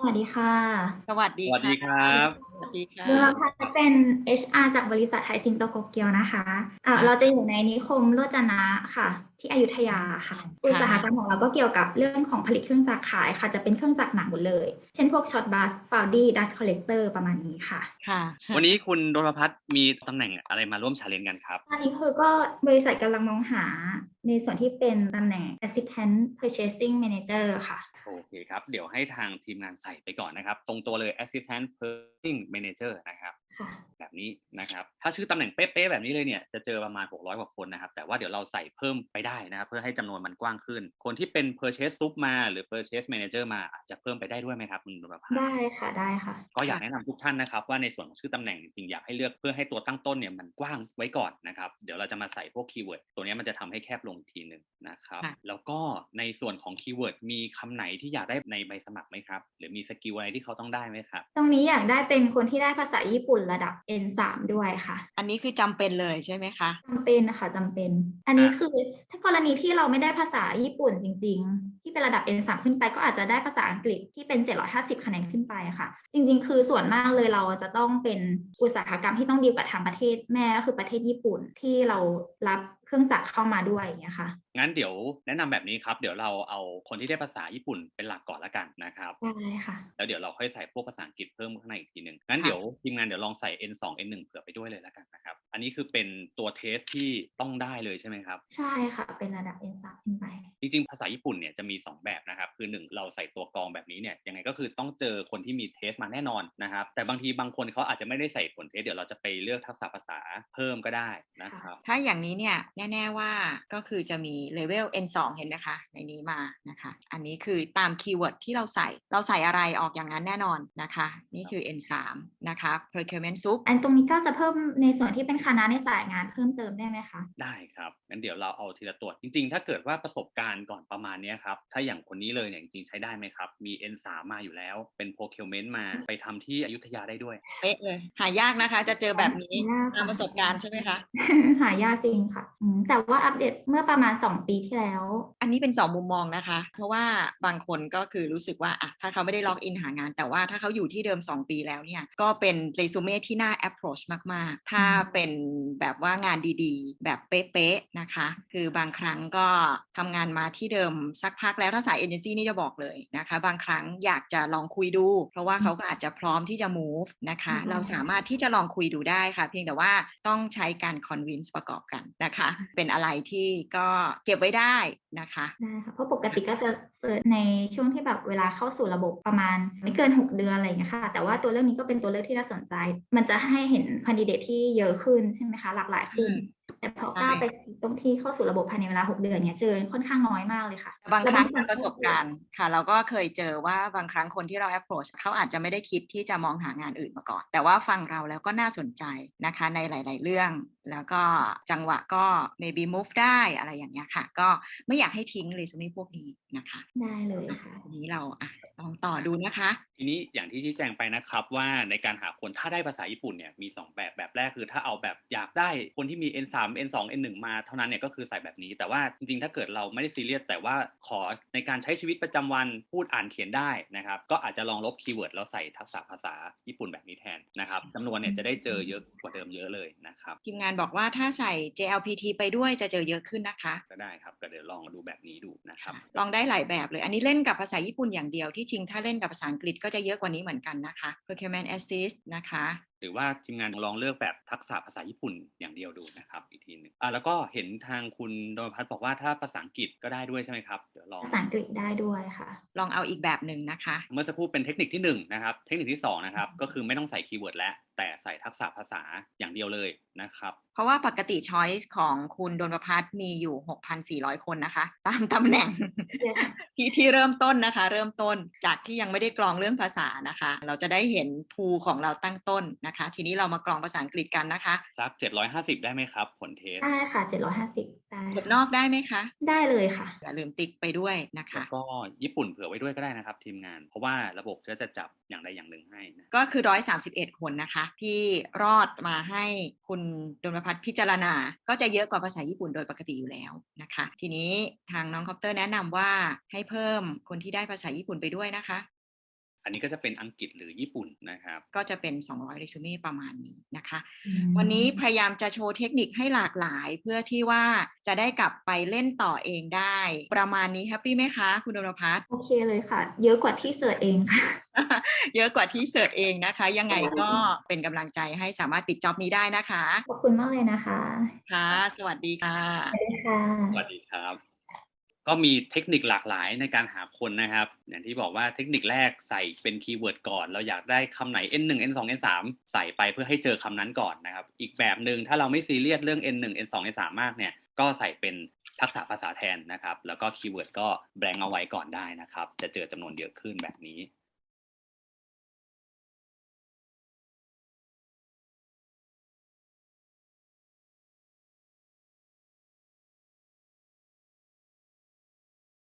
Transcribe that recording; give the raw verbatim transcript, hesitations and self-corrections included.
วัสดีค่ะสวัสดีค่ะสวัสดีครับสวัสดีค่ดวงะพัฒน์เป็น เอช อาร์ จากบริษัทไทยซิงโตโกเกียวนะคะอ่าเราจะค่ะอยู่ในนิคมโรจนะค่ะที่อยุธยาค่ะอุตค่ะสาหกรรมของเราก็เกี่ยวกับเรื่องของผลิตเครื่องจักรขายค่ะจะเป็นเครื่องจักรหนักหมดเลยเช่นพวกช็อตบัสฟาวดี้ดัสคอลเลกเตอร์ประมาณนี้ค่ะค่ะวันนี้คุณโดนพัฒน์มีตำแหน่งอะไรมาร่วม challenge กันครับตอนนี้คือก็บริษัทกำลังมองหาในส่วนที่เป็นตำแหน่ง Assistant Purchasing Manager ค่ะโอเคครับเดี๋ยวให้ทางทีมงานใส่ไปก่อนนะครับตรงตัวเลย Assistant Purchasing Manager นะครับค่ะแบบนี้นะครับถ้าชื่อตำแหน่งเป๊ะๆแบบนี้เลยเนี่ยจะเจอประมาณหกร้อยกว่าคนนะครับแต่ว่าเดี๋ยวเราใส่เพิ่มไปได้นะครับเพื่อให้จำนวนมันกว้างขึ้นคนที่เป็น Purchase Sub มาหรือ Purchase Manager มาอาจจะเพิ่มไปได้ด้วยไหมครับคุณโดนพัฒน์ได้ค่ะได้ค่ะก็อยากแนะค่ะนำทุกท่านนะครับว่าในส่วนของชื่อตำแหน่งจริงๆอยากให้เลือกเพื่อให้ตัวตั้งต้นเนี่ยมันกว้างไว้ก่อนนะครับเดี๋ยวเราจะมาใส่พวกคีย์เวิร์ดตัวนี้มันจะทำให้แคบลงทีหนึ่งนะครับค่ะแล้วก็ในส่วนของคีย์เวิร์ดมีคำไหนที่อยากได้ในใบสมัครไหมครับหรือมีสกิลอะไรที่เขาต้องได้ไหมครับตรงนี้อยากได้เป็นคนที่ได้ภาษาญี่ปุ่นระดับ เอ็น ทรี ด้วยค่ะอันนี้คือจำเป็นเลยใช่ไหมคะจำเป็นนะคะจำเป็น อันนี้อ่ะคือถ้ากรณีที่เราไม่ได้ภาษาญี่ปุ่นจริงๆที่เป็นระดับ เอ็น ทรี ขึ้นไปก็อาจจะได้ภาษาอังกฤษที่เป็นเจ็ดร้อยห้าสิบคะแนนขึ้นไปค่ะจริงๆคือส่วนมากเลยเราจะต้องเป็นอุตสาหกรรมที่ต้องดีลกับทางประเทศแม่ก็คือประเทศญี่ปุ่นที่เรารับเครื่องจักรเข้ามาด้วยอย่างเงี้ยค่ะงั้นเดี๋ยวแนะนำแบบนี้ครับเดี๋ยวเราเอาคนที่ได้ภาษาญี่ปุ่นเป็นหลักก่อนละกันนะครับได้ค่ะแล้วเดี๋ยวเราค่อยใส่พวกภาษาอังกฤษเพิ่มข้างในอีกทีหนึ่งงั้นเดี๋ยวค่ะทีมงานเดี๋ยวลองใส่ เอ็น ทู เอ็น วัน เผื่อไปด้วยเลยละกันนะครับอันนี้คือเป็นตัวเทสที่ต้องได้เลยใช่ไหมครับใช่ค่ะเป็นระดับ เอ็น ทรี ขึ้นไปจริงๆภาษาญี่ปุ่นเนี่ยจะมีสองแบบนะครับคือหนึ่งเราใส่ตัวกรองแบบนี้เนี่ยยังไงก็คือต้องเจอคนที่มีเทสมาแน่นอนนะครับแต่บางทีบางคนเขาอาจจะไม่ได้ใส่ผลเทสเดี๋ยวเราจะไปเลือกทักษะภาษาเพิ่มก็ได้นะคค่ะรับถ้าอย่างนี้เนี่ยแน่ๆว่าก็คือจะมีเลเวล เอ็น ทู เห็นไหมคะในนี้มานะคะอันนี้คือตามคีย์เวิร์ดที่เราใส่เราใส่อะไรออกอย่างนั้นแน่นอนนะคะนี่คือ เอ็น ทรี นะคะ procurement sub อันตรงนี้ก็จะเพิ่มในส่วนที่เป็นคณะในสายงานเพิ่มเติมได้ไหมคะได้ครับงั้นเดี๋ยวเราเอาทีละตัวจริงๆถ้าเกิดว่าประสบการณ์ก่อนประมาณนี้ครับถ้าอย่างคนนี้เลยเนี่ยจริงๆใช้ได้ไหมครับมี เอ็น ทรี มาอยู่แล้วเป็น procurement มาไปทำที่อยุธยาได้ด้วยเป๊ะเลยหายากนะคะจะเจอแบบนี้หายากตามค่ะประสบการณ์ใช่ไหมคะหายากจริงค่ะอืมแต่ว่าอัปเดตเมื่อประมาณสองปีที่แล้วอันนี้เป็นสองมุมมองนะคะ เพราะว่าบางคนก็คือรู้สึกว่าอะถ้าเขาไม่ได้ล็อกอินหางาน แต่ว่าถ้าเขาอยู่ที่เดิมสองปีแล้วเนี่ย ก็เป็นเรซูเม่ที่น่า approach มากๆ ถ้าเป็นแบบว่างานดีๆ แบบเป๊ะๆนะคะ คือบางครั้งก็ทำงานมาที่เดิมสักพักแล้วถ้าสายเอเจนซี่นี่จะบอกเลยนะคะ บางครั้งอยากจะลองคุยดู เพราะว่าเขาก็อาจจะพร้อมที่จะ move นะคะ เราสามารถที่จะลองคุยดูได้ค่ะ เพียงแต่ว่าต้องใช้การ convince ประกอบกันนะคะ เป็นอะไรที่ก็เก็บไว้ได้นะคะได้ค่ะเพราะปกติก็จะเสิร์ชในช่วงที่แบบเวลาเข้าสู่ระบบประมาณไม่เกินหกเดือนอะไรอย่างเงี้ยค่ะแต่ว่าตัวเรื่องนี้ก็เป็นตัวเลือกที่น่าสนใจมันจะให้เห็น candidate ที่เยอะขึ้นใช่ไหมคะหลากหลายขึ้นแต่พอก้าวไปตรงที่เข้าสู่ระบบภายในเวลาหกเดือนเนี้ยเจอค่อนข้างน้อยมากเลยค่ะบางแล้วบางคนครั้งจากประสบการณ์ค่ะเราก็เคยเจอว่าบางครั้งคนที่เรา approach เขาอาจจะไม่ได้คิดที่จะมองหางานอื่นมาก่อนแต่ว่าฟังเราแล้วก็น่าสนใจนะคะในหลายๆเรื่องแล้วก็จังหวะก็ maybe move ได้อะไรอย่างเงี้ยค่ะก็ไม่อยากให้ทิ้ง resume พวกนี้นะคะได้เลยค่ะทีนี้เราอ่ะลองต่อดูนะคะทีนี้อย่างที่ชี้แจงไปนะครับว่าในการหาคนถ้าได้ภาษาญี่ปุ่นเนี่ยมีสองแบบแบบแรกคือถ้าเอาแบบอยากได้คนที่มี เอ็น ทรี เอ็น ทู เอ็น วัน มาเท่านั้นเนี่ยก็คือใส่แบบนี้แต่ว่าจริงๆถ้าเกิดเราไม่ได้ซีเรียสแต่ว่าขอในการใช้ชีวิตประจำวันพูดอ่านเขียนได้นะครับก็อาจจะลองลบคีย์เวิร์ดแล้วใส่ทักษะภาษาญี่ปุ่นแบบนี้แทนนะครับจำนวนเนี่ยจะได้เจอเยอะกว่าเดิมเยอะเลยนะครับทีมงานบอกว่าถ้าใส่ เจ แอล พี ที ไปด้วยจะเจอเยอะขึ้นนะคะก็ได้ครับก็เดี๋ยวลองดูแบบนี้ดูนะครับลองได้หลายแบบเลยอันนี้เล่นกับภาษาญี่ปุ่นอย่างเดียวที่จริงถ้าเล่นกับภาษาอังกฤษก็จะเยอะกว่านี้เหมือนกันนะคะ procurement assist นะคะหรือว่าทีมงานลองเลือกแบบทักษะภาษาญี่ปุ่นอย่างเดียวดูนะครับอีกทีหนึ่งอ่าแล้วก็เห็นทางคุณโดนพัฒน์บอกว่าถ้าภาษาอังกฤษก็ได้ด้วยใช่ไหมครับเดี๋ยวลองภาษาอังกฤษได้ด้วยค่ะลองเอาอีกแบบหนึ่งนะคะเมื่อสักครู่เป็นเทคนิคที่หนึ่งนะครับเทคนิคที่สองนะครับก็คือไม่ต้องใส่คีย์เวิร์ดแล้วแต่ใส่ทักษะภาษาอย่างเดียวเลยนะครับเพราะว่าปกติ choice ของคุณดนประพัฒน์มีอยู่ หกพันสี่ร้อย คนนะคะตามตำแหน่ง ที่ที่เริ่มต้นนะคะเริ่มต้นจากที่ยังไม่ได้กรองเรื่องภาษานะคะเราจะได้เห็นภูของเราตั้งต้นนะคะทีนี้เรามากรองภาษาอังกฤษกันนะคะสักเจ็ดร้อยห้าสิบได้ไหมครับผลเทสได้ค่ะเจ็ดร้อยห้าสิบได้เก็บนค่ะอกได้ไหมคะได้เลยค่ะอย่าลืมติ๊กไปด้วยนะคะแล้วก็ญี่ปุ่นเผื่อไว้ด้วยก็ได้นะครับทีมงานเพราะว่าระบบก็จะจับอย่างใดอย่างหนึ่งให้นะก็คือหนึ่งร้อยสามสิบเอ็ดคนนะคะที่รอดมาให้คุณดนพัฒน์พิจารณาก็จะเยอะกว่าภาษาญี่ปุ่นโดยปกติอยู่แล้วนะคะทีนี้ทางน้องคอปเตอร์แนะนำว่าให้เพิ่มคนที่ได้ภาษาญี่ปุ่นไปด้วยนะคะอันนี้ก็จะเป็นอังกฤษหรือญี่ปุ่นนะครับก็จะเป็นสองร้อยเรซูเม่ประมาณนี้นะคะอืมวันนี้พยายามจะโชว์เทคนิคให้หลากหลายเพื่อที่ว่าจะได้กลับไปเล่นต่อเองได้ ประมาณนี้แฮปปี้ไหมคะคุณดนพัฒน์โอเคเลยค่ะ เยอะกว่าที่เสิร์ชเองค่ะเยอะกว่าที่เสิร์ชเองนะคะ ยังไงก็เป็นกำลังใจให้สามารถปิดจ็อบนี้ได้นะคะขอบคุณมากเลยนะคะค่ะ สวัสดีค่ะสวัสดีค่ะสวัสดีครับ ก็มีเทคนิคหลากหลายในการหาคนนะครับ อย่างที่บอกว่าเทคนิคแรกใส่เป็นคีย์เวิร์ดก่อน เราอยากได้คำไหน เอ็น หนึ่ง เอ็น สอง เอ็น สาม ใส่ไปเพื่อให้เจอคำนั้นก่อนนะครับ อีกแบบหนึ่งถ้าเราไม่ซีเรียสเรื่อง เอ็น หนึ่ง เอ็น สอง เอ็น สาม มากเนี่ยก็ใส่เป็นทักษะภาษาแทนนะครับแล้วก็คีย์เวิร์ดก็แบงค์เอาไว้ก่อนได้นะครับจะเจอจำนวนเยอะขึ้นแบบนี้